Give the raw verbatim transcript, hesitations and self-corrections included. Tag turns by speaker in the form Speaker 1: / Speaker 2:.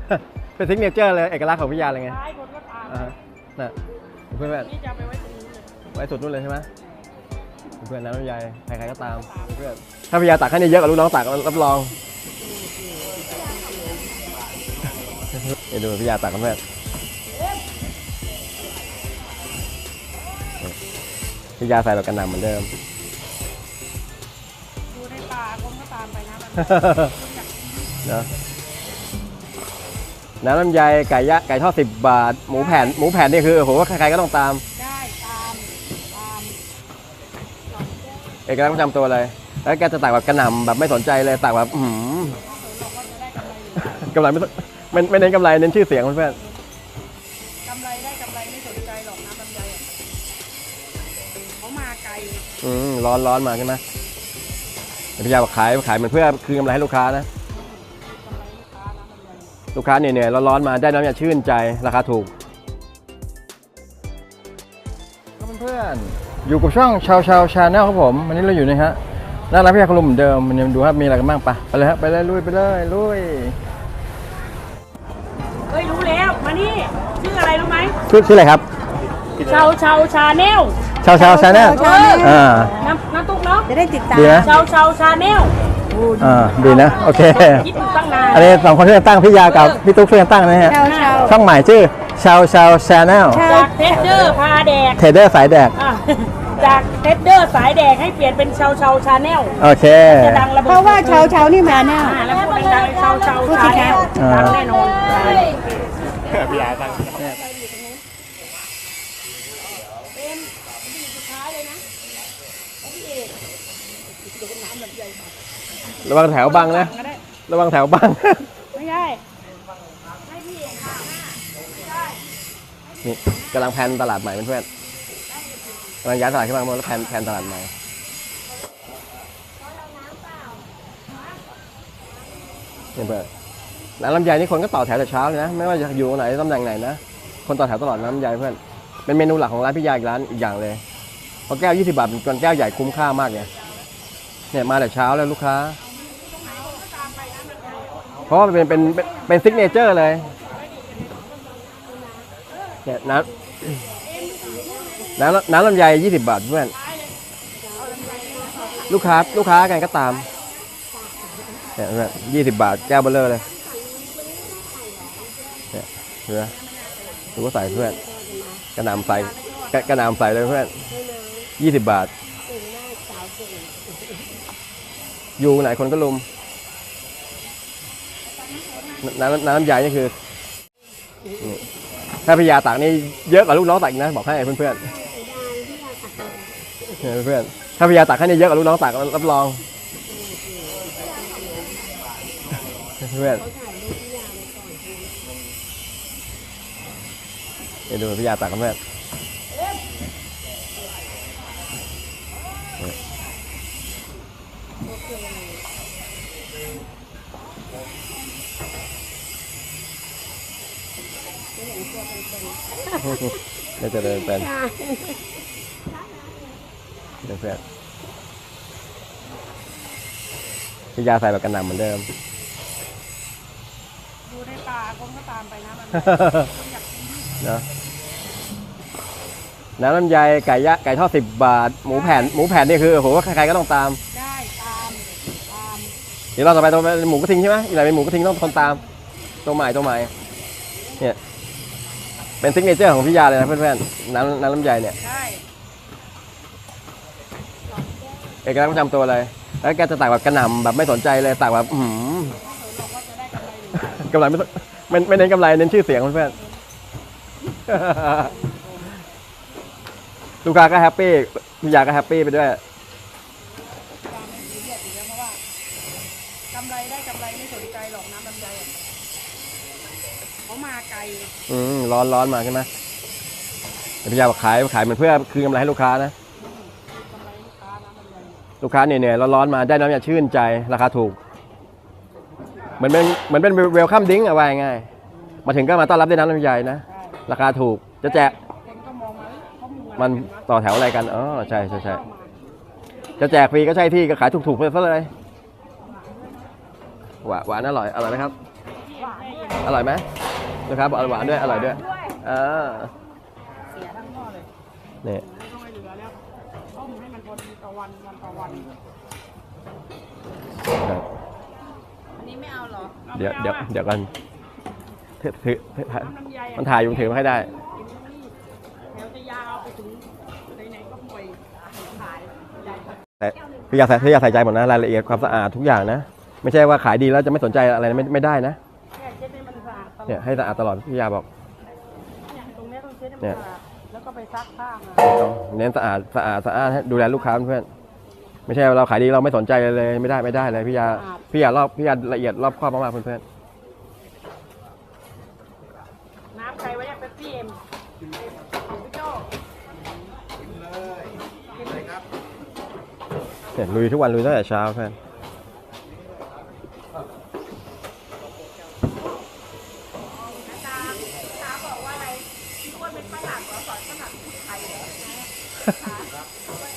Speaker 1: เป็นซิกเนเจอร์เลยเอกลักษณ์ของพี่ยาเลยไง
Speaker 2: ท้ายคนก็ตาม
Speaker 1: อ่าน่ะเพื่อนแบบ
Speaker 2: นี่จะไปไว้ตรงนี้เลย
Speaker 1: ไว้สุดนู่นเลยใช่ไหมเพื่อนน้ำลำไยใครๆก็ตามเพื่อนถ้าพี่ยาตักให้เนี่ยเยอะกว่าลูกน้องตักรับรองเดี๋ยวดูพี่ยาตักกันเพื่อนพี่ยาใส่แบบกันหน่ำเหมือนเดิม
Speaker 2: ดูในป่าคนก็ตามไปนะมัน
Speaker 1: เนาะน้ำลำไยไก่ยะไก่ทอดสิบบาทหมูแผ่นหมูแผ่นนี่คือโอ้โหใครๆก็ต้องตาม
Speaker 2: ได้ตามตาม
Speaker 1: เอกลักษณ์ประจำตัวเลยแล้วแกจะตักแบบกระหน่ำแบบไม่สนใจเลยตักแบบอืม
Speaker 2: เราก็จะได้กำไรอยู่
Speaker 1: กำไรไม่ไม่ไม่เน้นกำไรเน้นชื่อเสียงเพื่อน
Speaker 2: กำไรได้กำไรไม่สนใจหรอกนะลำไยอะเขามาไกล
Speaker 1: ๆอืมร้อนร้อนมาใช่ไหมพี่ยาบอกขายขายเหมือนเพื่อคืนกำไรให้ลูกค้านะ
Speaker 2: กำไรลูกค้านะลำไย
Speaker 1: ลูกค้าเหนื่อยๆร้อนๆมาได้น้ำยาชื่นใจราคาถูกเพื่อนๆอยู่กับช่องชาวชาวชาแนลครับผมวันนี้เราอยู่นะฮะหน้าร้านพี่ยาคุณลุงเหมือนเดิมวันนี้มาดูครับมีอะไรกันบ้างปะไปเลยฮะไปเลยลุยไปเลยลุย
Speaker 2: เฮ้ยรู้แล้วมานี่ชื่ออะไรรู้ไหม
Speaker 1: ชื่อชื่ออะไรครับ
Speaker 2: ชาวชาวชาแนล
Speaker 1: ชาวชาวชาแนลอ่า
Speaker 2: น้ำน้ำตุ๊กเนาะ
Speaker 3: จะได้ติดตาม
Speaker 1: ดีนะ
Speaker 2: ชาวชาวชาแนล
Speaker 1: อ่าดีนะโอเค
Speaker 2: คิดอยู่ตั้งนาน
Speaker 1: อันนี้สองคนช่วยกันตั้งพี่ยากับพี่ตุ๊กช่วยกันตั้งนะฮะ
Speaker 3: ชาวชาว
Speaker 1: ช่องใหม่ชื่อชาวชาวชาแนล
Speaker 2: จากเทสเดอร์พาแดก
Speaker 1: เทรดเดอร์สายแดก
Speaker 2: อ่ะจากเทสเดอร์สายแดกให้เปลี่ยนเป็นชาวชาวชาแนล
Speaker 1: โอเค
Speaker 2: จะดังระเบิด
Speaker 3: เพราะว่าชาวชาวนี่มาแน่
Speaker 2: อ่าแล้วพูดดังๆชาวชาวชาแนล
Speaker 1: อ่า
Speaker 2: ดังแน่นอน
Speaker 1: พี่ยาตั้ง
Speaker 2: เป็นดีสุดท้ายเลยนะพี่เอกเดี๋ยวน้ำแบบใหญ่มา
Speaker 1: ระวังแถวบังนะ
Speaker 2: ก็ได้
Speaker 1: ระวังแถวบัง
Speaker 2: ไม่ได้ให้พี่เอกค่ะไม่ได้
Speaker 1: นี่กำลังแพลนตลาดใหม่เพื่อนๆกำลังย้ายตลาดขึ้นมาแล้วแพลนแพลนตลาดใหม่เนี่ยเพื่อนร้านลำไยนี่คนก็ต่อแถวแต่เช้าเลยนะไม่ว่าจะอยู่ไหนตำแหน่งไหนนะคนต่อแถวตลอดน้ำลำไยเพื่อนเป็นเมนูหลักของร้านพี่ยาอีกร้านอีกอย่างเลยเพราะแก้วยี่สิบบาทเป็นแก้วใหญ่คุ้มค่ามากเนี่ยเนี่ยมาแต่เช้าแล้วลูกค้าเพราะว่าเป็นเป็นเป็นเป็นซิกเนเจอร์เลยเนี่ยน้ำน้ำน้ำลำไยยี่สิบบาทเพื่อนลูกค้าลูกค้ากันก็ตามเนี่ยเพื่อนยี่สิบบาทแก้วเบลเลอร์เลยเนี่ยเพื่อนดูก็ใส่เพื่อนกระหน่ำใส่กระกระหน่ำใส่เลยเพื่อนยี่สิบบาทอยู่ไหนคนก็ลุมน้ำน้ำลำไยนี่คือนี่ถ้าพี่ยาตักนี่เยอะกว่าลูกน้องตักอีกนะบอกให้เพื่อนเพื่อนเพื่อนถ้าพี่ยาตักให้นี่เยอะกว่าลูกน้องตักรับรองเพื่อนเดี๋ยวดูพี่ยาตักกันเพื่อนไม่จะเดินเป็นเพื่อนพี่ยาใส่แบบกันหน่ำเหมือนเดิม
Speaker 2: ดูในป่าคนก็ตามไปนะมันอยากกิน
Speaker 1: เนาะน้ำลำไยไก่ยะไก่ทอดสิบบาทหมูแผ่นหมูแผ่นนี่คือโอ้โหใครๆก็ต้องตาม
Speaker 2: ได้ตามตาม
Speaker 1: เดี๋ยวเราต่อไปตัวเป็นหมูกระทิงใช่ไหมอีกหน่อยเป็นหมูกระทิงต้องคนตามตัวใหม่ตัวใหม่เนี่ยเป็นซิกเนเจอร์ของพี่ยาเลยนะเพื่อนๆน้ำน้ำลำไยเนี่ย
Speaker 2: ได้
Speaker 1: เอกลักษณ์ประจำตัวเลยแล้วแกจะตักแบบกระหน่ำแบบไม่สนใจเลยตักแบบอืม
Speaker 2: เราก็จะได้กำไรอยู่
Speaker 1: กำไรไม่ไม่ไม่เน้นกำไรเน้นชื่อเสียงเพื่อนๆ ลูกค้าก็แฮปปี้พี่ยาก็แฮปปี้ไปด้วย
Speaker 2: การมีเรียกอยู่แล้วเพราะว่ากำไรได้กำไรไม่สนใจหรอกน้ำลำไยอะเขามาไกล
Speaker 1: อืมร้อนร้อนมาใช่ไหมพี่ยาบอกขายขายเหมือนเพื่อคืนกำไรให้ลูกค้านะ
Speaker 2: กำไรลูกค้าน้ำลำไย
Speaker 1: ลูกค้าเหนื่อยๆร้อนๆมาได้น้ำยาชื่นใจราคาถูกเหมือนเป็นเหมือนเป็นเวลคัมดิ้งเอาไว้ง่ายมาถึงก็มาต้อนรับด้วยน้ำลำไยนะราคาถูกจะแจก
Speaker 2: คนก็มองมาเขามุงอะไร
Speaker 1: มันต่อแถวอะไรกันอ๋อใช่ใช่ใช่จะแจกฟรีก็ใช่ที่ก็ขายถูกๆไปซะเลยหวานหวานอร่อยอร่อยไหมครับ
Speaker 2: พี่หวานด้วย
Speaker 1: อร่อยไหมลูกค้าบอกอร่อยหวานด้วยอร่อยด้วยเออ
Speaker 2: เสียทั้งหม้อเลย
Speaker 1: นี่
Speaker 2: ไม่ต้องให้เหลือแล้วต้มให้มันพอดีต่อวันวันต่อวัน
Speaker 1: ครับ
Speaker 2: อันนี้ไม่เอาเหรอ
Speaker 1: เดี๋ยวเดี๋ยวเดี๋ยวกันถือถือถือ
Speaker 2: น้ำลำไย
Speaker 1: มันถ่ายอยู่ถือมาให้ได้
Speaker 2: กินนี่แถวจะยาวไปถึงไหนๆก็ป่วยขายใหญ่
Speaker 1: แต่พี่อยากใส่พี่อยากใส่ใจหมดนะรายละเอียดความสะอาดทุกอย่างนะ ไม่ใช่ว่าขายดีแล้วจะไม่สนใจอะไรไม่ไม่ได้นะ
Speaker 2: แค่เช็ดให้มันสะอาดตลอด
Speaker 1: เนี่ยให้สะอาดตลอดพี่ยาบอก
Speaker 2: เนี่ยตรงเนี้ยต้องเช็ดให้มัน
Speaker 1: เนี่ย
Speaker 2: สะอาดแล้วก็ไปซักผ้ามา
Speaker 1: ต้องเน้นสะอาดสะอาดสะอาดให้ดูแลลูกค้าเพื่อนไม่ใช่ว่าเราขายดีเราไม่สนใจเลยไม่ได้ไม่ได้เลยพี่ยาพี่ยารอบพี่ยาละเอียดรอบคอบมากๆเพื่อน
Speaker 2: น้ำใครไว้เนี่ยเป๊ปซี่เอ็มพี่โจ้
Speaker 1: ๆเนี่ยลุยทุกวันลุยตั้งแต่เช้าเพื่อน
Speaker 2: ตาตาบอกว่าอะไรพี่อ้วนเป็นฝรั่งเหรอสอนฝรั่งพูดไทยเหรอนะ